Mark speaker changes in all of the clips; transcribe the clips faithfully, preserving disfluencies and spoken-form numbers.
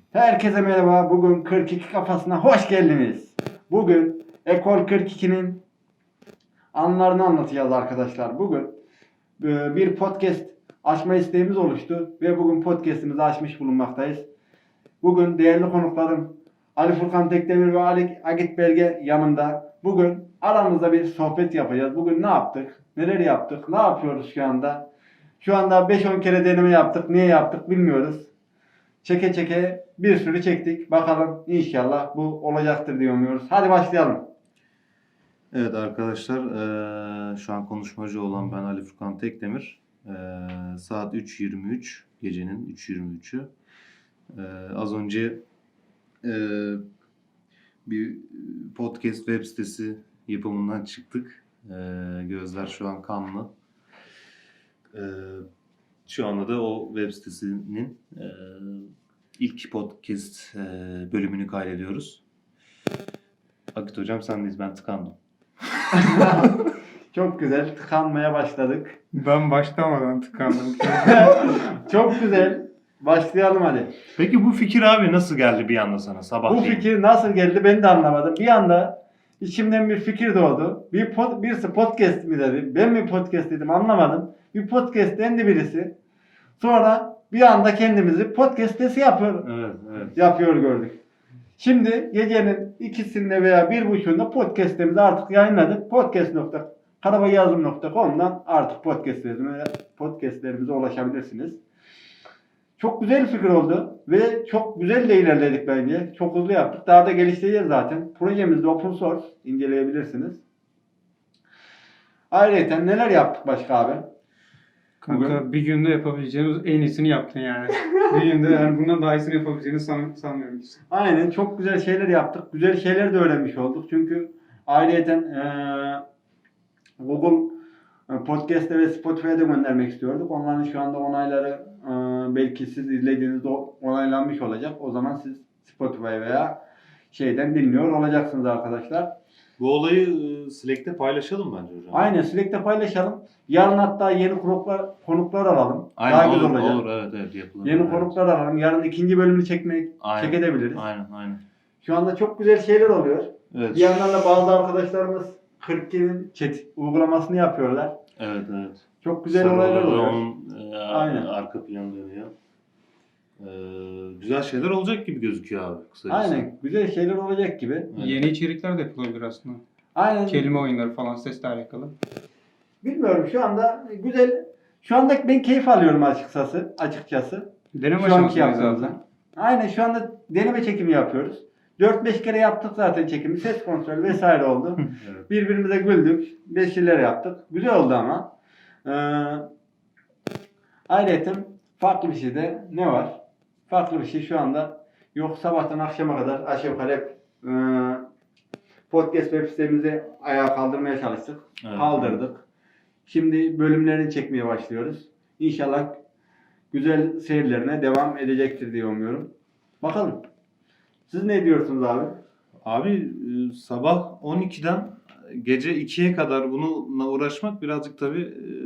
Speaker 1: Herkese merhaba. Bugün kırk iki kafasına hoş geldiniz. Bugün Ekol kırk ikinin anılarını anlatacağız arkadaşlar. Bugün e, bir podcast açma isteğimiz oluştu ve bugün podcastimizi açmış bulunmaktayız. Bugün değerli konuklarım Ali Furkan Tekdemir ve Ali Agit Belge yanımda. Bugün aramızda bir sohbet yapacağız. Bugün ne yaptık? Neler yaptık? Ne yapıyoruz şu anda? Şu anda beş on kere deneme yaptık. Niye yaptık bilmiyoruz. Çeke çeke bir sürü çektik. Bakalım inşallah bu olacaktır diye umuyoruz. Hadi başlayalım.
Speaker 2: Evet arkadaşlar, eee, şu an konuşmacı olan ben Ali Furkan Tekdemir. Eee, saat üç yirmi üç, gecenin üç yirmi üçü. Eee, az önce eee, bir podcast web sitesi yapımından çıktık. Eee, gözler şu an kanlı. Eee, şu anda da o web sitesinin eee, ilk podcast eee, bölümünü kaydediyoruz. Akit hocam sendeyiz, ben tıkandım.
Speaker 1: Çok güzel. Tıkanmaya başladık.
Speaker 3: Ben başlamadan tıkandım.
Speaker 1: Çok güzel. Başlayalım hadi.
Speaker 2: Peki bu fikir abi nasıl geldi bir anda sana sabah?
Speaker 1: Bu fikir nasıl geldi ben de anlamadım. Bir anda içimden bir fikir doğdu. Bir pod, birisi podcast mi dedi. Ben mi podcast dedim anlamadım. Bir podcast dendi birisi. Sonra bir anda kendimizi podcast sitesi yapıyor,
Speaker 2: Evet, evet.
Speaker 1: yapıyor gördük. Şimdi gecenin ikisinde veya bir buçuğunda podcast'imizi artık yayınladık. podcast nokta karabayazım nokta com'dan artık podcast'lerimize, podcast'lerimize ulaşabilirsiniz. Çok güzel fikir oldu ve çok güzel de ilerledik bence. Çok hızlı yaptık. Daha da geliştireceğiz zaten. Projemiz de open source. İnceleyebilirsiniz. Ayrıca neler yaptık başka abi?
Speaker 3: Kanka
Speaker 1: Bugün-
Speaker 3: bir günde yapabileceğimiz en iyisini yaptın yani. Bir günde yani bundan daha iyisini yapabileceğini san, sanmıyorum hiç.
Speaker 1: Aynen çok güzel şeyler yaptık. Güzel şeyler de öğrenmiş olduk. Çünkü ayrıca eee Google Podcast'e ve Spotify'a da göndermek istiyorduk. Onların şu anda onayları eee, belki siz izlediğinizde onaylanmış olacak. O zaman siz Spotify veya şeyden dinliyor olacaksınız arkadaşlar.
Speaker 2: Bu olayı e, Slack'te paylaşalım bence hocam.
Speaker 1: Aynen Slack'te paylaşalım. Yarın hatta yeni konuklar, konuklar alalım.
Speaker 2: Aynen,
Speaker 1: Daha güzel
Speaker 2: olur,
Speaker 1: olacak.
Speaker 2: olur, evet, evet yapılır.
Speaker 1: Yeni
Speaker 2: evet.
Speaker 1: konuklar alalım. Yarın ikinci bölümünü çekmek,
Speaker 2: Aynen.
Speaker 1: çekebiliriz.
Speaker 2: Aynen, aynen.
Speaker 1: Şu anda çok güzel şeyler oluyor.
Speaker 2: Evet.
Speaker 1: Bir yandan da bazı arkadaşlarımız kırk ikinin chat uygulamasını yapıyorlar.
Speaker 2: Evet, evet.
Speaker 1: Çok güzel
Speaker 2: Sarı
Speaker 1: olaylar
Speaker 2: oluyor,
Speaker 1: oluyor.
Speaker 2: Onun e,
Speaker 1: Aynen.
Speaker 2: arka planı dönüyor. Ee, güzel şeyler olacak gibi gözüküyor abi. Kısacası.
Speaker 1: Aynen. Güzel şeyler olacak gibi.
Speaker 2: Evet.
Speaker 3: Yeni içerikler de yapılabilir aslında.
Speaker 1: Aynen.
Speaker 3: Kelime oyunları falan sesle alakalı.
Speaker 1: Bilmiyorum şu anda güzel. Şu anda ben keyif alıyorum açıkçası. Açıkçası.
Speaker 3: Deneme
Speaker 1: Şu anki
Speaker 3: aşamasındayız
Speaker 1: yaptığımızda.
Speaker 3: zaten.
Speaker 1: Aynen şu anda deneme çekimi yapıyoruz. dört beş kere yaptık zaten çekimi. Ses kontrolü vesaire oldu.
Speaker 2: Evet.
Speaker 1: Birbirimize güldük. Bir şeyler yaptık. Güzel oldu ama. Ee, ayrıca farklı bir şey de ne var? Farklı bir şey şu anda yok. Sabahtan akşama kadar aşağı yukarı hep e, podcast web sitemizi ayağa kaldırmaya çalıştık.
Speaker 2: Evet.
Speaker 1: Kaldırdık. Şimdi bölümlerini çekmeye başlıyoruz. İnşallah güzel seyirlerine devam edecektir diye umuyorum. Bakalım. Siz ne diyorsunuz abi?
Speaker 2: Abi e, sabah on ikiden gece ikiye kadar bununla uğraşmak birazcık tabii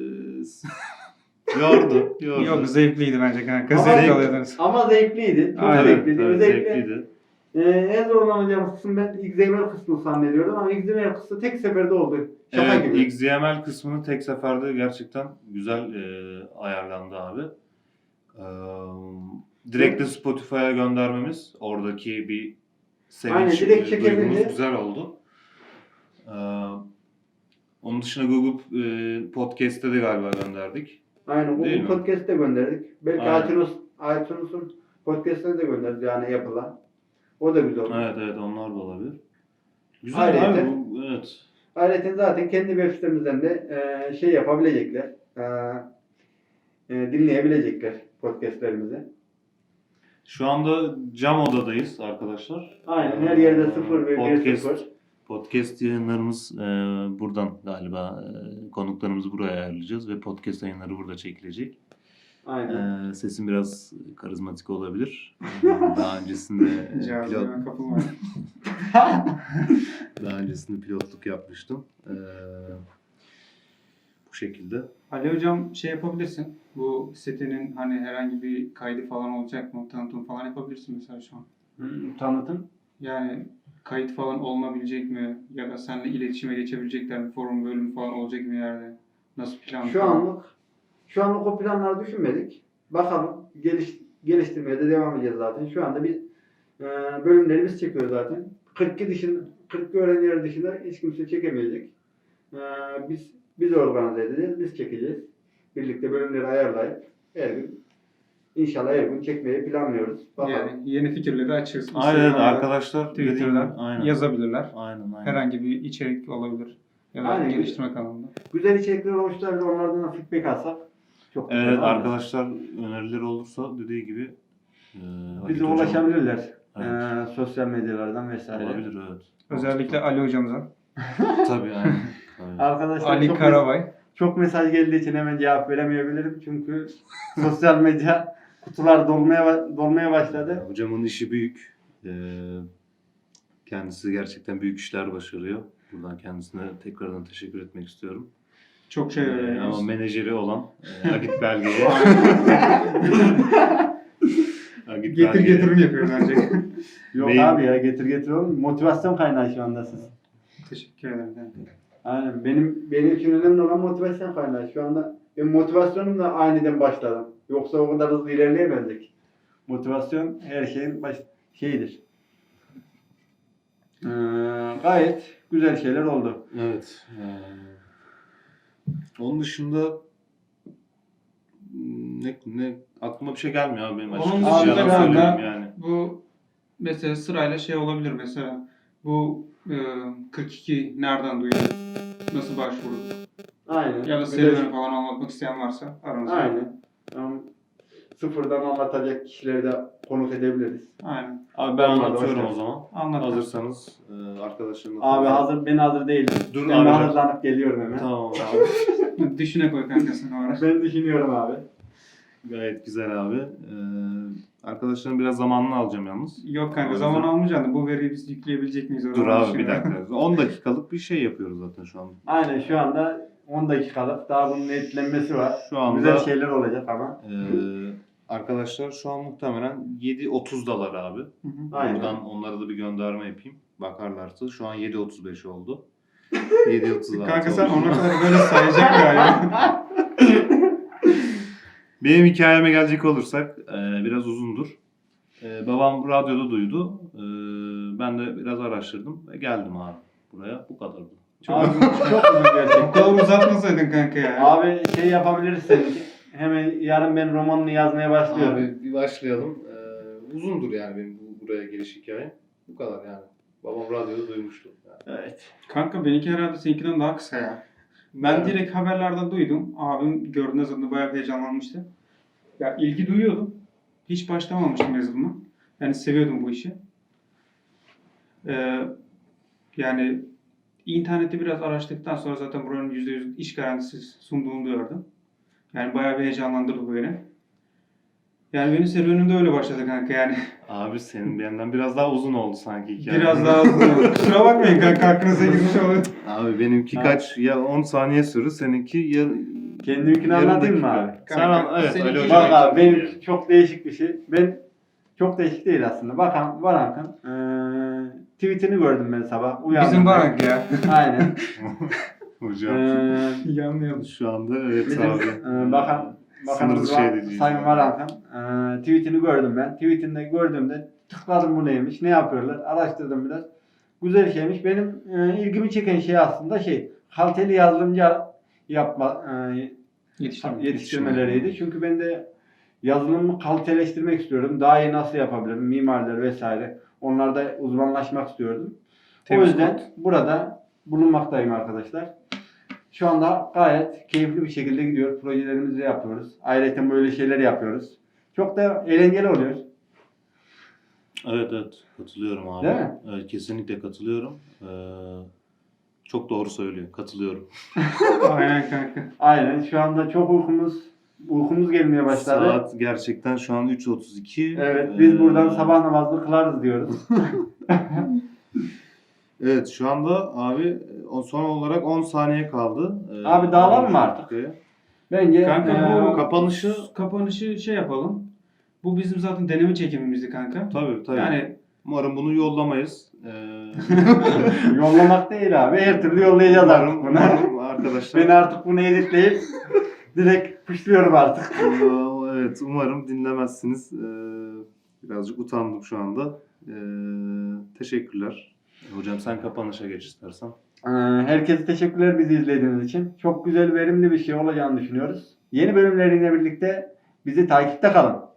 Speaker 2: e, yordu. yordu.
Speaker 3: Yok zevkliydi bence kanka.
Speaker 1: Ama
Speaker 3: Zevk
Speaker 1: zevk-
Speaker 3: alıyordunuz.
Speaker 1: Ama zevkliydi. Çok
Speaker 3: Aynen,
Speaker 1: zevkliydi.
Speaker 2: Evet,
Speaker 1: Özellikle
Speaker 2: zevkliydi.
Speaker 1: e, en zorlanacağımız kısım ben X M L kısmını zannediyordum ama X M L kısmı tek seferde oldu. Şaka
Speaker 2: Evet,
Speaker 1: gibi.
Speaker 2: X M L kısmını tek seferde gerçekten güzel e, ayarlandı abi. E, direkt de Spotify'a göndermemiz, oradaki bir
Speaker 1: Aynen,
Speaker 2: sevinç
Speaker 1: direkt
Speaker 2: e,
Speaker 1: çekebildi.
Speaker 2: duygumuz güzel oldu. E, onun dışında Google e, Podcast'te de galiba gönderdik.
Speaker 1: Aynen.
Speaker 2: Değil
Speaker 1: Bu
Speaker 2: mi?
Speaker 1: podcast'te gönderdik. Belki
Speaker 2: Aynen.
Speaker 1: iTunes, iTunes'un podcast'ine de gönderdik yani yapılan. O da güzel oldu.
Speaker 2: Evet, evet, onlar da olabilir. Güzel
Speaker 1: Ayrıca-
Speaker 2: abi bu, evet.
Speaker 1: Ayrıca zaten kendi web sitemizden de e, şey yapabilecekler. E, e, dinleyebilecekler podcastlerimizi.
Speaker 2: Şu anda cam odadayız arkadaşlar.
Speaker 1: Aynen her yerde sıfır ve bir
Speaker 2: Podcast-
Speaker 1: sıfır.
Speaker 2: Podcast yayınlarımız e, buradan galiba e, konuklarımızı buraya ayarlayacağız ve podcast yayınları burada çekilecek.
Speaker 1: Aynen.
Speaker 2: E, sesim biraz karizmatik olabilir. E, daha öncesinde e, pilot,
Speaker 3: Cihazlarına kapılmayın.
Speaker 2: daha öncesinde pilotluk yapmıştım. E, bu Bu şekilde.
Speaker 3: Ali hocam şey yapabilirsin. Bu sitenin hani herhangi bir kaydı falan olacak mı? Tanıtım falan yapabilirsin mesela şu an.
Speaker 1: Hmm, tanıtım.
Speaker 3: Yani kayıt falan olunabilecek mi? Ya da seninle iletişime geçebilecekler mi? Forum bölümü falan olacak mı yerde? Nasıl plan?
Speaker 1: Şu anlık şu anlık o planları düşünmedik. Bakalım geliş, geliştirmeye de devam edeceğiz zaten. Şu anda biz e, bölümleri biz çekiyoruz zaten. kırk iki dışında kırk iki öğrenciler dışında hiç kimse çekemeyecek. E, biz biz organize edeceğiz, biz çekeceğiz. Birlikte bölümleri ayarlayıp her gün inşallah her gün çekmeyi planlıyoruz. Bakalım.
Speaker 3: Yani yeni fikirleri açığız.
Speaker 2: Aynen
Speaker 3: Instagram'da,
Speaker 2: arkadaşlar dediğim gibi,
Speaker 3: Twitter'da
Speaker 2: aynen.
Speaker 3: yazabilirler.
Speaker 2: Aynen aynen.
Speaker 3: Herhangi bir içerik olabilir. Ya da
Speaker 1: Aynen.
Speaker 3: geliştirme kanalında.
Speaker 1: Güzel içerikler oluşturabilir, onlardan da feedback alsak çok güzel
Speaker 2: Evet
Speaker 1: olur.
Speaker 2: arkadaşlar önerileri olursa dediği gibi e, Halit
Speaker 1: Bize
Speaker 2: hocam-
Speaker 1: ulaşabilirler.
Speaker 2: Evet.
Speaker 1: Ee, sosyal medyalardan vesaire.
Speaker 2: Olabilir evet.
Speaker 3: Özellikle Ali hocamıza.
Speaker 2: Tabii aynen. Tabii.
Speaker 1: Arkadaşlar
Speaker 3: Ali
Speaker 1: çok,
Speaker 3: Karabay.
Speaker 1: çok mesaj geldiği için hemen cevap veremeyebilirim. Çünkü sosyal medya kutular dolmaya dolmaya başladı.
Speaker 2: Hocamın işi büyük. Ee, kendisi gerçekten büyük işler başarıyor. Buradan kendisine tekrardan teşekkür etmek istiyorum.
Speaker 3: Çok şey
Speaker 2: Ee,
Speaker 3: öğreniyoruz.
Speaker 2: ama menajeri olan e, Agit Belge'ye Agit
Speaker 3: Getir
Speaker 2: Belge'ye-
Speaker 3: getirim yapıyor bence.
Speaker 1: Yok
Speaker 2: Mail-
Speaker 1: abi ya getir getir oğlum. Motivasyon kaynağı şu anda siz.
Speaker 3: Teşekkür ederim. kanka.
Speaker 1: Aynen. Benim benim için önemli olan motivasyon kaynağı. Şu anda benim motivasyonum da aniden başladı. Yoksa o kadar hızlı ilerleyemezdik. Motivasyon her şeyin baş şeyidir. Ee, gayet güzel şeyler oldu.
Speaker 2: Evet. Ee, onun dışında ne, ne aklıma bir şey gelmiyor abi benim
Speaker 3: Onun
Speaker 2: açıkçası.
Speaker 1: dışında
Speaker 2: Yalan
Speaker 1: kanka-
Speaker 2: söylüyorum yani.
Speaker 3: Bu mesela sırayla şey olabilir mesela. Bu e, kırk iki nereden duydun? Nasıl başvurdu?
Speaker 1: Aynen.
Speaker 3: Ya da
Speaker 1: Güzel-
Speaker 3: serüveni falan anlatmak isteyen varsa aranızda.
Speaker 1: Aynen. Yani sıfırdan anlatacak kişileri de konuk edebiliriz.
Speaker 3: Aynen.
Speaker 2: Abi ben
Speaker 1: Olmadı,
Speaker 2: anlatıyorum
Speaker 1: hoş
Speaker 2: o zaman.
Speaker 3: Anlat.
Speaker 2: Hazırsanız e, arkadaşlarımla
Speaker 1: Abi
Speaker 2: konuşalım.
Speaker 1: hazır ben hazır değilim.
Speaker 2: Dur
Speaker 1: ben
Speaker 2: abi.
Speaker 1: hazırlanıp geliyorum hemen.
Speaker 2: Tamam abi.
Speaker 3: Düşüne koy kanka sen o ara.
Speaker 1: Ben düşünüyorum abi.
Speaker 2: Gayet güzel abi. Ee, arkadaşların biraz zamanını alacağım yalnız.
Speaker 3: Yok kanka
Speaker 2: O
Speaker 3: zaman
Speaker 2: yüzden-
Speaker 3: almayacaksın da bu veriyi biz yükleyebilecek miyiz?
Speaker 2: Dur
Speaker 3: Onu
Speaker 2: abi bir
Speaker 3: düşünüyorum.
Speaker 2: dakika. on dakikalık bir şey yapıyoruz zaten şu an.
Speaker 1: Aynen şu anda on dakikalık daha bunun netlenmesi var.
Speaker 2: Şu anda
Speaker 1: Güzel şeyler olacak ama.
Speaker 2: Ee, arkadaşlar şu an muhtemelen yedi otuzdalar abi.
Speaker 3: Hı hı.
Speaker 1: Aynen.
Speaker 2: Buradan onlara da bir gönderme yapayım. Bakarlarsa şu an yedi otuz beş oldu. yedi otuz altı
Speaker 3: Kanka sen
Speaker 2: oldu.
Speaker 3: ona kadar böyle sayacaksın galiba.
Speaker 2: Benim hikayeme gelecek olursak e, biraz uzundur. E, babam radyoda duydu. E, ben de biraz araştırdım ve geldim abi buraya. Bu kadardı.
Speaker 3: Çok
Speaker 1: Abi
Speaker 3: uzun.
Speaker 1: çok uzun
Speaker 3: Bu
Speaker 1: gerçekten.
Speaker 3: kadar uzatmasaydın kanka ya.
Speaker 1: Abi şey yapabiliriz seninki. Hemen yarın ben romanını yazmaya başlıyorum.
Speaker 2: Abi bir başlayalım. E, uzundur yani benim bu, buraya geliş hikayem. Bu kadar yani. Babam radyoda duymuştu. Yani.
Speaker 1: Evet.
Speaker 3: Kanka benimki herhalde seninkinden daha kısa ya. Ben
Speaker 1: Evet.
Speaker 3: direkt haberlerden duydum. Abim gördüğünde zaten bayağı heyecanlanmıştı. Ya ilgi duyuyordum. Hiç başlamamıştım yazılıma. Yani seviyordum bu işi. Ee, yani internette biraz araştırdıktan sonra zaten buranın yüzde yüz iş garantisi sunduğunu gördüm. Yani bayağı bir heyecanlandırdı bu beni. Yani benim serüvenim de öyle başladı kanka yani.
Speaker 2: Abi senin benden biraz daha uzun oldu sanki hikaye.
Speaker 3: Biraz daha hızlı. Kusura bakmayın kanka aklınıza girmiş olur.
Speaker 2: Abi benimki
Speaker 1: Ha.
Speaker 2: kaç ya on saniye sürdü seninki ya
Speaker 1: Kendiminkini
Speaker 2: yarım
Speaker 1: anlatayım mı
Speaker 2: dakika.
Speaker 1: abi?
Speaker 2: Sen
Speaker 3: Kanka,
Speaker 2: an, evet
Speaker 3: seninki-
Speaker 2: Ali Hoca.
Speaker 1: Bak abi benim çok değişik bir şey. Ben çok değişik değil aslında. Bakan Barank'ın eee tweetini gördüm ben sabah. Uyandım.
Speaker 3: Bizim barak ya.
Speaker 1: Aynen.
Speaker 2: Hocam
Speaker 1: Eee
Speaker 3: Yanmayalım.
Speaker 2: şu anda evet
Speaker 1: bizim
Speaker 2: abi.
Speaker 1: eee, bakan Bakanımız
Speaker 2: Sınırlı şey
Speaker 1: var,
Speaker 2: diyeceğiz
Speaker 1: Sayın
Speaker 2: yani.
Speaker 1: Barank'ın eee tweetini gördüm ben. Tweetinde gördüğümde tıkladım bu neymiş, ne yapıyorlar, araştırdım biraz. Güzel şeymiş. Benim eee, ilgimi çeken şey aslında şey, kaliteli yazılımcı yapma eee,
Speaker 3: Yetiştirme.
Speaker 1: yetiştirmeleriydi. Çünkü ben de yazılımı kaliteleştirmek istiyorum. Daha iyi nasıl yapabilirim? Mimarlar vesaire. Onlarda uzmanlaşmak istiyordum.
Speaker 3: Temiz
Speaker 1: o yüzden
Speaker 3: kod.
Speaker 1: burada bulunmaktayım arkadaşlar. Şu anda gayet keyifli bir şekilde gidiyor. Projelerimizi de yapıyoruz. Ayrıca böyle şeyler yapıyoruz. Çok da eğlenceli oluyor.
Speaker 2: Evet evet katılıyorum abi.
Speaker 1: Değil mi?
Speaker 2: Evet kesinlikle katılıyorum. Ee, çok doğru söylüyor. Katılıyorum.
Speaker 3: Aynen kanka.
Speaker 1: Aynen. Şu anda çok uykumuz uykumuz gelmeye başladı.
Speaker 2: Saat gerçekten şu an üç otuz iki.
Speaker 1: Evet, biz
Speaker 2: Ee,
Speaker 1: buradan sabah namazını kılarız diyoruz.
Speaker 2: Evet şu anda abi o son olarak on saniye kaldı. Ee,
Speaker 1: Abi dağılalım mı artık?
Speaker 2: dakikaya.
Speaker 1: Bence
Speaker 3: Kanka
Speaker 1: eee,
Speaker 3: bu
Speaker 2: kapanışı-
Speaker 3: kapanışı şey yapalım. Bu bizim zaten deneme çekimimizdi kanka.
Speaker 2: Tabii tabii.
Speaker 3: Yani
Speaker 2: Umarım bunu yollamayız. Ee,
Speaker 1: yollamak değil abi. Her türlü yollayacağız artık
Speaker 2: umarım,
Speaker 1: bunu.
Speaker 2: umarım arkadaşlar.
Speaker 1: Ben artık bunu editleyip direkt puşluyorum artık.
Speaker 2: Ee, evet umarım dinlemezsiniz. Ee, birazcık utandım şu anda. Ee, teşekkürler. Hocam sen kapanışa geç istersen.
Speaker 1: Ee, Herkese teşekkürler bizi izlediğiniz için. Çok güzel, verimli bir şey olacağını düşünüyoruz. Yeni bölümleriyle birlikte bizi takipte kalın.